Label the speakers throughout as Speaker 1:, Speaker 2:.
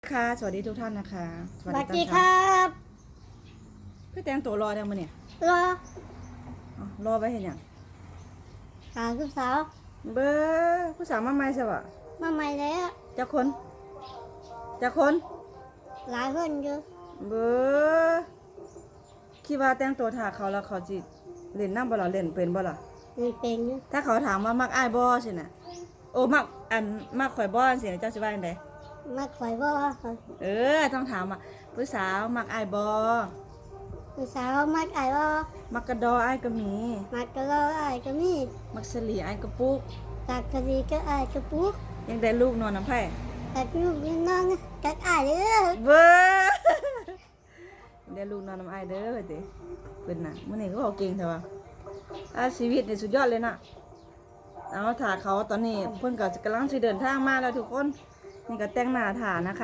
Speaker 1: ค่ะสวัสดีทุกท่านนะคะ
Speaker 2: สวัสดีครับ
Speaker 1: พี่แต่งตัวรอได้มาเนี่ย
Speaker 2: รอ
Speaker 1: รอไว้เห็นยัง
Speaker 2: หาลูกสาว
Speaker 1: เบอร์ผู้สาวมาใหม่ใช่ปะ
Speaker 2: มาใหม่แล้ว
Speaker 1: จะคนจะคน
Speaker 2: หลายคนอยู่
Speaker 1: เบอร์คิดว่าแต่งตัวถ่าเขาแล้วเขาจิเล่นน้ำบ่ล่ะเล่นเป็นบ่ล่ะ
Speaker 2: มีเป็นอยู่
Speaker 1: ถ้าเขาถามว่ามักอ้ายบ่ใช่น่ะโอ้มักข่อยบ่สิเจ้าสิว่าจังได
Speaker 2: มาคอยบ่
Speaker 1: ต้องถามว่าผู้สาวมักอ้ายบ่
Speaker 2: ลูกสาวมักไอ้บ่
Speaker 1: มักกระดออ้ายก็มี
Speaker 2: มักกะรอไอ้ก็มี
Speaker 1: มักสลีอ้ายก็ปุก
Speaker 2: ตักกะดีก็ไอ้กระปุก
Speaker 1: ยังได้ลูกนอนน้ำไผ
Speaker 2: ตักลูกนี่น้องตักไอ้เด้อ
Speaker 1: เบ้อเดี๋ยวลูกนอนน้ำไอายเด้อเด้เพิ่นน่ะมื้อนี้ก็เอาเก่งเถอะวะชีวิตนี่สุดยอดเลยน่ะเอาถ่าเขาตอนนี้เพิ่นก็กำลังสิเดินทางมาแล้วทุกคนนี่ก็แต่งหน้าถ่านะคะ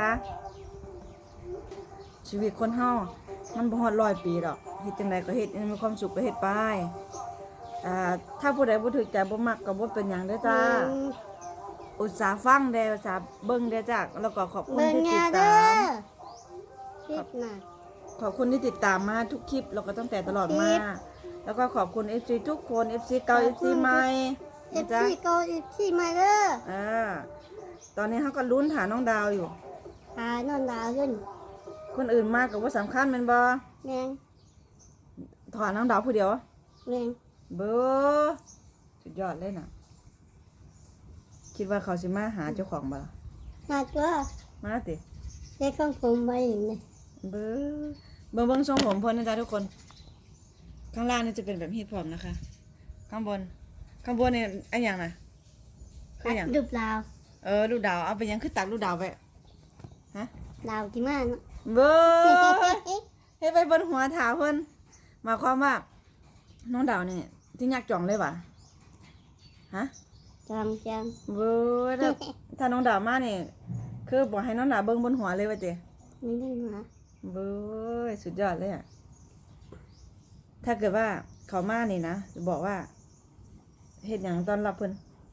Speaker 1: ชีวิตคนเฮามันบ่ฮอด100 ปีดอกเฮ็ดจังไดก็เฮ็ดมีความสุขก็เฮ็ดไปถ้าผู้ใดบ่ถูกใจบ่มักก็บ่เป็นหยังเด้อจ้าอุตส่าห์ฟังเด้ออุตส่าห์เบิ่งเด้อจ้าแล้วก็ขอบคุณที่ติดตาม
Speaker 2: คลิปน่ะ
Speaker 1: ขอบคุณที่ติดตามมาทุกคลิปแล้วก็ตั้งแต่ตลอดมาแล้วก็ขอบคุณ FC ทุกคน FC เก่า FC ใหม่นะจ๊ะ
Speaker 2: FC เก่า FC ใหม่เด้อ
Speaker 1: ตอนนี้เขาก็ลุ้นหาน้องดาวอยู่
Speaker 2: หานอนดาวขึ้น
Speaker 1: คนอื่นมากกับว่าสำคัญเป็นบ่
Speaker 2: แมง
Speaker 1: ถอนน้องดาวผู้เดียว
Speaker 2: แมง
Speaker 1: เบ้อสุดยอดเลยน่ะคิดว่าเขาสิมาหาเจ้าของบ่ล่ะ
Speaker 2: มาตัว
Speaker 1: มาติ
Speaker 2: เด็กของผมไปอย่างนี้
Speaker 1: เบิ่งทรงผมเพิ่นนะจ๊ะทุกคนข้างล่างนี่จะเป็นแบบฮีทพร้อมนะคะข้างบนเนี่ยไอ้หยังน่ะคือหยัง
Speaker 2: รูปดาว
Speaker 1: ลูกดาวเอาไปยังคือตักลูกดาวไปฮะ
Speaker 2: ดาวที่มัน
Speaker 1: เบ้อให้ไปบนหัวถาเพิ่นหมายความว่าน้องดาวนี่ที่ยักจ่องเลยว่ะฮะ
Speaker 2: จัง
Speaker 1: เบ้อถ้าน้องดาวมานี่คือบอกให้น้องดาวเบิ่งบนหัวเลยว่าเจ้
Speaker 2: นี่เป็นหัว
Speaker 1: เบ้อสุดยอดเลยอ่ะถ้าเกิดว่าเขามานี่นะจะบอกว่าเฮ็ดหยังต้อนรับเพิ่น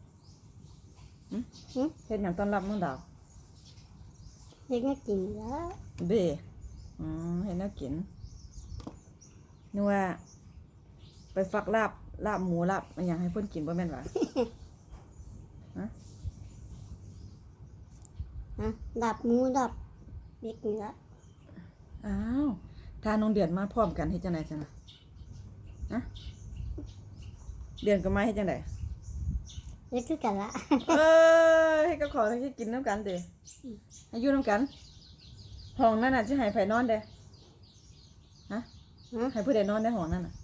Speaker 1: เฮ็ดหยังต้อนรับน้องดาว
Speaker 2: เด็กน่ากินแล้ว
Speaker 1: เบ้เฮ็ดน่ากินนึกว่าไปฟักลาบหมูลาบมันหยังให้เพิ่นกินบ่แม่นว่า
Speaker 2: ดับหมูดับเด็กนี่ละ
Speaker 1: อ้าวถ้าน้องเดือนมาพร้อมกันเฮ็ดจังได๋ซั่นน่ะเดือนก็มาเฮ็ดจังได๋
Speaker 2: เด็กคือกันละ
Speaker 1: ให้กับขอให้กินน้ำกันเด้ให้อยู่น้ำกันห้องนั่นน่ะสิให้ไผนอนเด้ฮะให้ผู้ใดนอนในห้องนั่นน่ะ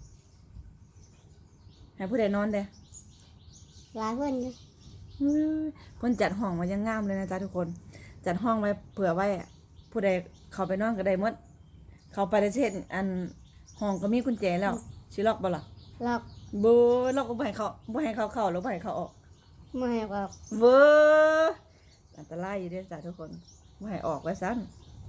Speaker 1: ให้ผู้ใดนอนเด้
Speaker 2: หลายคนอยู่
Speaker 1: เพิ่นจัดห้องไว้ยังงามเลยนะจ๊ะทุกคนจัดห้องไว้เผื่อไว้ผู้ใดเข้าไปนอนก็ได้หมดเข้าไปได้เช่นอันห้องก็มีกุญแจแล้วสิล็อกบ่ล่ะ
Speaker 2: ล็อก
Speaker 1: ล็อกก็บ่ให้เขาเข้าหรือบ่ให้เขาออก
Speaker 2: ไม่ให้ออก
Speaker 1: อันตรายอยู่เด้อจ้ะทุกคนบ่ให้ออกไว้ซั่น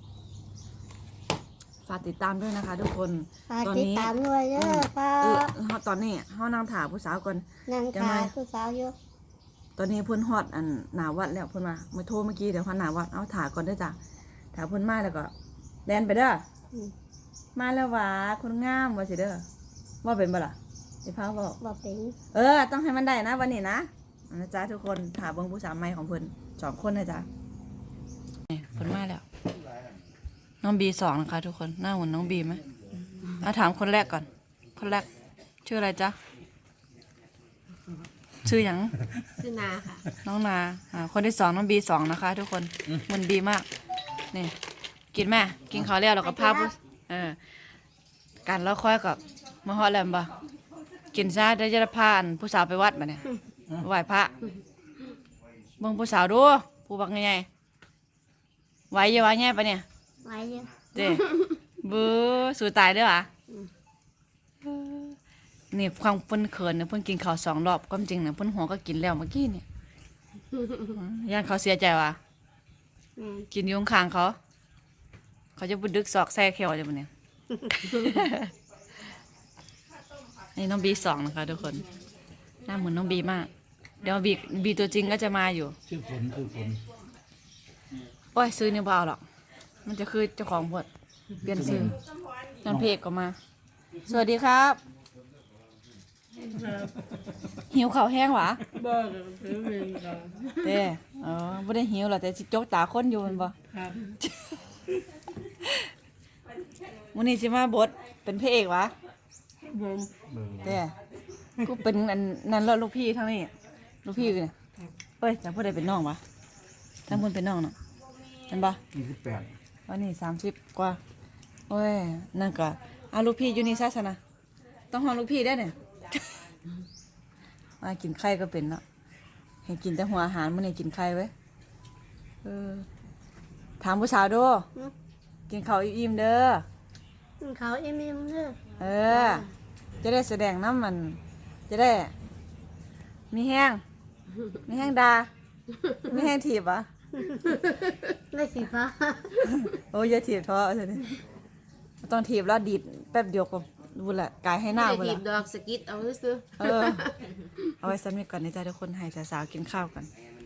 Speaker 1: ฝากติดตามด้วยนะคะทุกคน
Speaker 2: ตอนนี้ติดตามด้วยเด้อค่ะ
Speaker 1: ตอนนี้เฮานั่งถามผู้สาวก่อน
Speaker 2: นั่งถามผู้สาวอยู่
Speaker 1: ตอนนี้เพิ่นฮอดอันหน้าวัดแล้วเพิ่นมาโทรเมื่อกี้เดี๋ยวเพิ่นหน้าวัดเอาถ่าก่อนเด้อจ้ะถ้าเพิ่นมาแล้วก็แล่นไปเด้อมาแล้วหว่าคนงามว่าสิเด้อว่าเป็นบ่ล่ะสิพาบอก
Speaker 2: บ่เป็น
Speaker 1: ต้องให้มันได้นะวันนี้นะจ๊ะทุกคนถามเบิ่งผู้สาวใหม่ของเพิ่น2คนนะจ๊ะนี่เพิ่นมาแล้วน้องบี2นะคะทุกคนหน้าเหมือนน้องบีมั้ยถามคนแรกก่อนคนแรกชื่ออะไรจ๊ะชื่อหยัง
Speaker 2: ชื่อนาค่ะ
Speaker 1: น้องนาคนที่2น้องบี2นะคะทุกคนมันบีมากนี่กินแม่กินข้าวแล้วเราก็พาผู้กันแล้วค่อยกับมาฮอดแล้วบ่กินซะได้จะพาผู้สาวไปวัดบัดเนี่ยไหว้พระเบิ่งผู้สาวดูผู้บักใหญ่ไหวอยู่ว่าใหญ่ปะเนี่ย
Speaker 2: ไหวอยู่
Speaker 1: เด้บื้อสู้ตายเด้ออ่ะนี่ความเพิ่นเขินเนี่ยเพิ่นกินข้าว2 รอบความจริงเนี่ยเพิ่นหัวก็กินแล้วเมื่อกี้เนี่ยย่านเขาเสียใจว่ะกินอยู่ข้างเขาจะบุดึกซอกแซ่แขวจะบ่เนี่ยนี่น้องบี2นะคะทุกคนหน้าเหมือนน้องบีมากเดี๋ยวบีตัวจริงก็จะมาอยู่
Speaker 3: ชื่อฝน
Speaker 1: โอ้ยซื้อเนี่ยเบาหรอกมันจะคือเจ้าของบทเปลี่ยนชื่อนั่นเพจก็มา สวัสดีครับ หิวข้าวแห้งหวะ
Speaker 3: บ่กับซื้อเองค่ะ
Speaker 1: เต้ไม่ได้หิวหรอกแต่สิจกตาคนอยู่แมันบ่
Speaker 3: ครับ
Speaker 1: มื้อนี้สิมาบทเป็นพระเอกหวะ
Speaker 3: ผม
Speaker 1: เต้กูเป็นอันนั้นแล้วลูกพี่ทั้งนี้ลูกพี่เนี่ยเอ้ยจะพูดได้เป็นน้องวะทั้งคนเป็นน้องเนาะเห็นบ่
Speaker 4: 28
Speaker 1: วันนี้30กว่าโอ้ยนั่นก็เอาลูกพี่อยู่นี่ซะซะนะต้องห้องลูกพี่ได้เนี่ย มากินไข่ก็เป็นเนาะให้กินแต่หัวอาหารมื้อนี้กินไข่ไว้เออถามผู้สาวดูกินข้าวอิ่มๆเด้อ
Speaker 2: เขาเอ็มเอ็มเด้อ
Speaker 1: เออ จะได้แสดงน้ำมัน จะได้ มีแห้ง มีแห้งดา มีแห้งถีบอ่ะ
Speaker 2: ได้สีฟ้า
Speaker 1: โอ้ยอย่าถีบท้อเอาเถอะดิต้องถีบแล้วดีดแป๊บเดียวก็บุญละกายให้หน้าบุญ
Speaker 2: บี
Speaker 1: ละ
Speaker 2: บดอกสกิดเอาซื้อ
Speaker 1: เออ เอาไว้ซ้ำนี้ก่อนนะจ๊ะทุกคนให้สาวๆกินข้าวกัน
Speaker 2: ๆ